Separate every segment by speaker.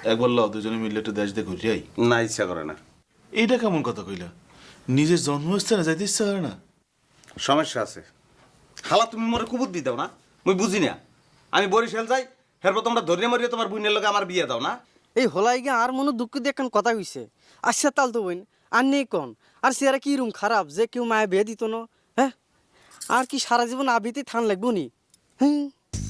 Speaker 1: একবার লও দুজনে মিলে একটু দেশ দিয়ে ঘুরে আই।
Speaker 2: না, ইচ্ছা করে না।
Speaker 1: এইটা কেমন কথা কইলা? নিজের জন্মস্থানে যাইতে ইচ্ছা করে না?
Speaker 2: সমস্যা আছে। খালা তুমি মোরে কুবুদ্ধি দাও না, মুই বুঝি না। আমি বরিশাল যাই, এরপর তোমরা ধরিয়ে মরিয়ে তোমার বোনের লগে আমার বিয়ে দাও না।
Speaker 3: এই হলাই গিয়ে আর মনে দুঃখ দিয়ে এখন কথা হইছে। আচ্ছা তাল তো বইন আর নেই কন আর সে কি রুম খারাপ যে কেউ মায়ে বিয়ে দিত না। হ্যাঁ আর কি সারা জীবন আবিতে থান লাগবো নি? হ্যাঁ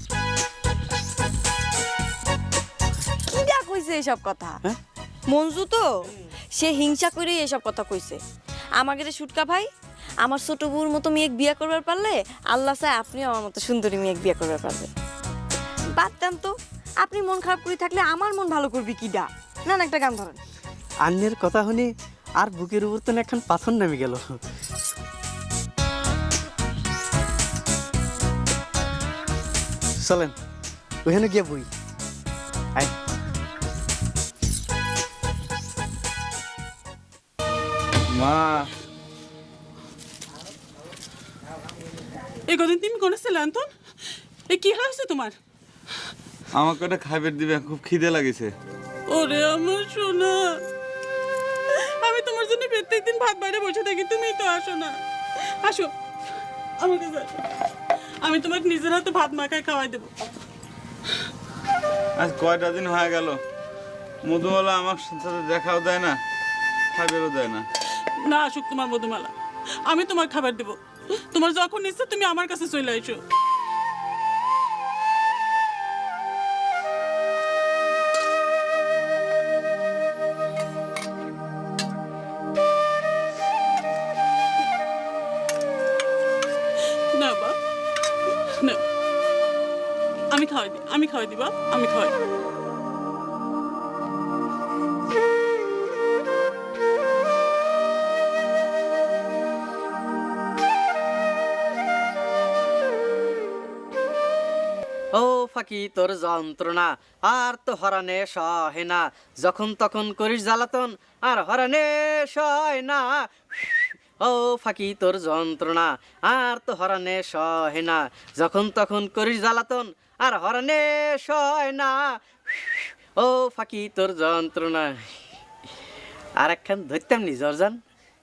Speaker 4: কিডা কইছে এসব কথা?
Speaker 3: হ্যাঁ?
Speaker 4: মঞ্জু তো সে হিংসা করেই এসব কথা কইছে। আমাকে সুটকা ভাই আমার ছোট বউর মতো মেয়েক বিয়ে করবার পারলে আল্লাহ চায় আপনিও আমার মতো সুন্দরী মেয়েক বিয়ে করবার পারবে। বাদ দেন তো, আপনি মন খারাপ করে থাকলে আমার মন ভালো করবি কিডা? না না, একটা গান ধরেন।
Speaker 3: আন্যের কথা শুনি আর বুকের উপর তো এখন পাথর নামে গেল। চলেন ওখানে গিয়ে বই। আয়
Speaker 2: মা,
Speaker 5: এই কদিন তুমি কোনে ছিলে আন্তন? এ কি হয়েছে তোমার?
Speaker 6: আমাকে একটা খাইবার দিবে, খুব খিদে লাগেছে।
Speaker 5: ওরে আমার সোনা, আমি তোমার জন্য প্রত্যেকদিন ভাত বাইরে বসে থাকি, তুমি তো আসো না। আসো আমার কাছে আসো, আমি তোমাকে নিজের হাতে ভাত মাখায় খাওয়াই দেবো।
Speaker 6: আজ কয়টা দিন হয়ে গেল মধুমালা আমার সাথে দেখাও দেয় না, খাইবারও দেয় না।
Speaker 5: না আসুক তোমার মধুমালা, আমি তোমার খাবার দেবো। তোমার যখন ইচ্ছে তুমি আমার কাছে চলে এসো। না বাপ, না, আমি খাওয়াই দিই বাপ, আমি খাওয়াই দিই।
Speaker 3: ও ফাঁকি তোর যন্ত্রণা আর তো হরানে সহে না, যখন তখন করিস জ্বালাতন আর হরানে সয় না। ও ফাঁকি তোর যন্ত্রণা আর তো হরানে সহে না, যখন তখন করিস জ্বালাতন আর হরানে সয় না। ও ফাঁকি তোর যন্ত্রণা। আর একখান ধরতাম নি জর্জান।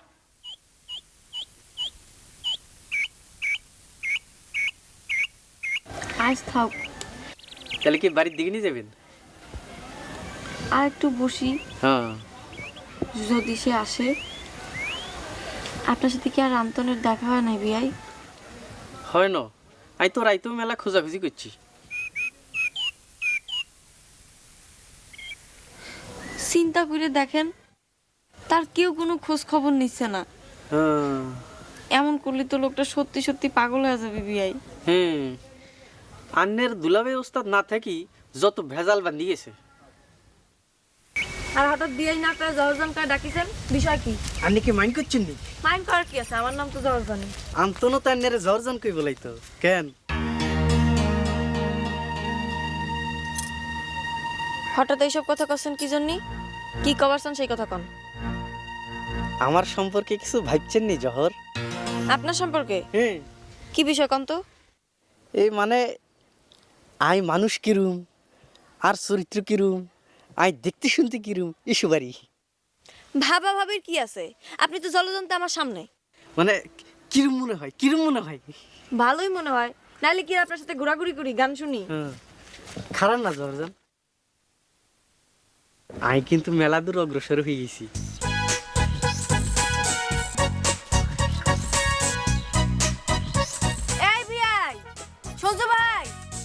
Speaker 4: আজ থাক,
Speaker 3: তাহলে কি বাড়ির দিকে নিয়ে যাবেন?
Speaker 4: আর একটু বসি,
Speaker 3: হ্যাঁ
Speaker 4: যদি সে আসে। আপনার সাথে কি আর আন্তনের দেখা হয় নাই বিয়াই?
Speaker 3: হয় না, আই তো রাইতো মেলা খোঁজাখুঁজি করছি।
Speaker 4: চিন্তা করে দেখেন, তার কেউ কোনো খোঁজ খবর নিচ্ছে না।
Speaker 3: হ্যাঁ
Speaker 4: এমন করলে তো লোকটা সত্যি সত্যি পাগল হয়ে যাবে বিয়াই।
Speaker 3: হ্যাঁ, আন্নের দুলাভাই ওস্তাদ না থাকি যত ভেজাল বান্ধি গেছে।
Speaker 4: আর হঠাৎ বিয়াই না করে জহরজান করে ডাকিছেন, বিষয় কি?
Speaker 3: আন্নি কি মাইন্ড করছেন নি?
Speaker 4: মাইন্ড করার কি আছে, আমার নাম তো জহরজানি।
Speaker 3: আন্তনো তো আন্নের জর্জন কই বলাই তো কেন?
Speaker 4: হঠাৎ এইসব কথা কছেন কি জন্যে? কি কবারছেন সেই কথা কন।
Speaker 3: আমার সম্পর্কে কিছু ভাবছেন নি জহর?
Speaker 4: আপনার সম্পর্কে
Speaker 3: হ্যাঁ,
Speaker 4: কি বিষয় কন তো?
Speaker 3: এই মানে আই মানুষ কিরুম আর চরিত্র কিরুম, আই দেখতে শুনতে কিরুম এসবারই।
Speaker 4: ভাবা ভাবির কি আছে, আপনি তো জলজন্ত আমার সামনে।
Speaker 3: মানে কিরুম মনে হয়, কিরুম মনে হয়?
Speaker 4: ভালোই মনে হয়, নাহলে কি আপনার সাথে ঘোরাঘুরি করি, গান শুনি?
Speaker 3: হ্যাঁ, খারাপ না জর্জন, আই কিন্তু মেলা দূর অগ্রসর হয়ে গেছি।
Speaker 4: এই বিয়াই, সঞ্জু ভাই,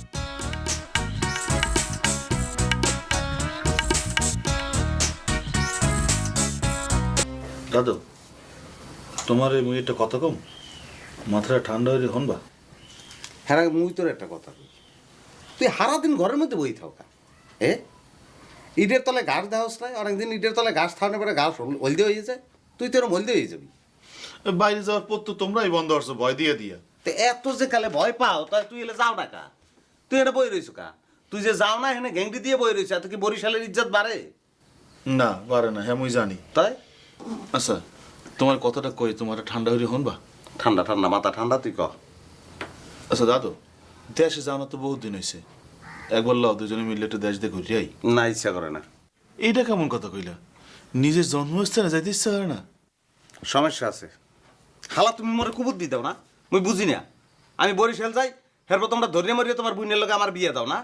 Speaker 1: দাদু, তোমার এই মুইটা কত কম মাথাটা ঠান্ডা হয়ে হনবা।
Speaker 2: হ্যাঁ, মুই তোর একটা কথা কই, তুই সারাদিন ঘরের মধ্যে বই থাকা। ইটের তলে ঘাস দেওয়াস নাই, অনেকদিন ইটের তলে ঘাস থাকানোর পরে ঘাস হলদে হয়ে যায়, তুই তোর হলদে হয়ে যাবি।
Speaker 1: বাইরে যাওয়ার পর তো তোমরাই বন্ধ করছো ভয় দিয়ে দিয়া।
Speaker 2: তো এত যে কালে ভয় পাও, তাই তুই এলে যাও না কা? তুই এটা বই রইছ কা? তুই যে যাও না এখানে ঘেংটি দিয়ে বই রইছ, এত কি বরিশালের ইজ্জত বাড়ে?
Speaker 1: না পারে না, হ্যাঁ মুই জানি।
Speaker 2: তাই
Speaker 1: আচ্ছা তোমার কথাটা কই, তোমার ঠান্ডা হয়ে হনবা?
Speaker 2: ঠান্ডা ঠান্ডা মাথা ঠান্ডা, তুই ক।
Speaker 1: আচ্ছা দাদু, দেশে যাও না তো বহুত দিন হয়েছে, একবার লও দুজনে মিলে একটু দেশ দিয়ে ঘুরে আই।
Speaker 2: না, ইচ্ছা করে না।
Speaker 1: এইটা কেমন কথা কইলা? নিজের জন্মস্থানে যাইতে ইচ্ছা করে না?
Speaker 2: সমস্যা আছে। খালা তুমি মোরে কুবুদ্ধি দাও না, মুই বুঝি না। আমি বরিশাল যাই, এরপর তোমরা ধরিয়ে মরিয়ে তোমার বোনের লগে আমার বিয়ে দাও না।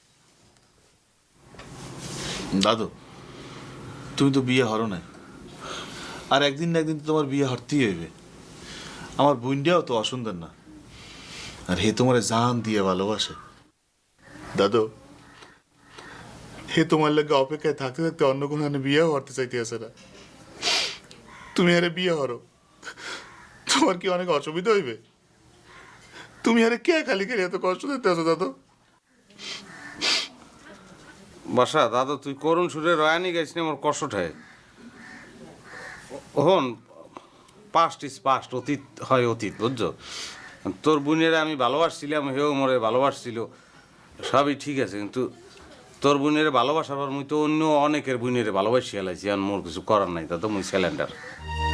Speaker 1: দাদু, তুমি তো বিয়ে হরো নাই, আর একদিন না একদিন তো তোমার বিয়ে হরতেই হইবে। আমার বোনটাও তো অসুন্দর না, আর হে তোমার জান দিয়ে ভালোবাসে। দাদু, হে তোমার লাগে অপেক্ষায় থাকতে থাকতে অন্য কোনো বিয়ে হরতে চাইতে আসে না। তুমি আরে বিয়ে হরো, তোমার কি অনেক অসুবিধা হইবে? তুমি আরে কে খালি খালি এত কষ্ট দিতে আছো দাদু?
Speaker 2: বাসা দাদা, তুই করুণ সুরে রয়ানি গাইছ না, আমার কষ্ট ঠায়। হন, পাস্ট ইজ পাস্ট, অতীত হয় অতীত, বুঝছো? তোর বোনের আমি ভালোবাসছিলাম, হেও মোরে ভালোবাসছিল, সবই ঠিক আছে, কিন্তু তোর বোনের ভালোবাসার পর মুই তো অন্য অনেকের বোনের ভালোবাসি হেলাইছি, আর মোর কিছু করার নাই, তা তো মুই সিলিন্ডার।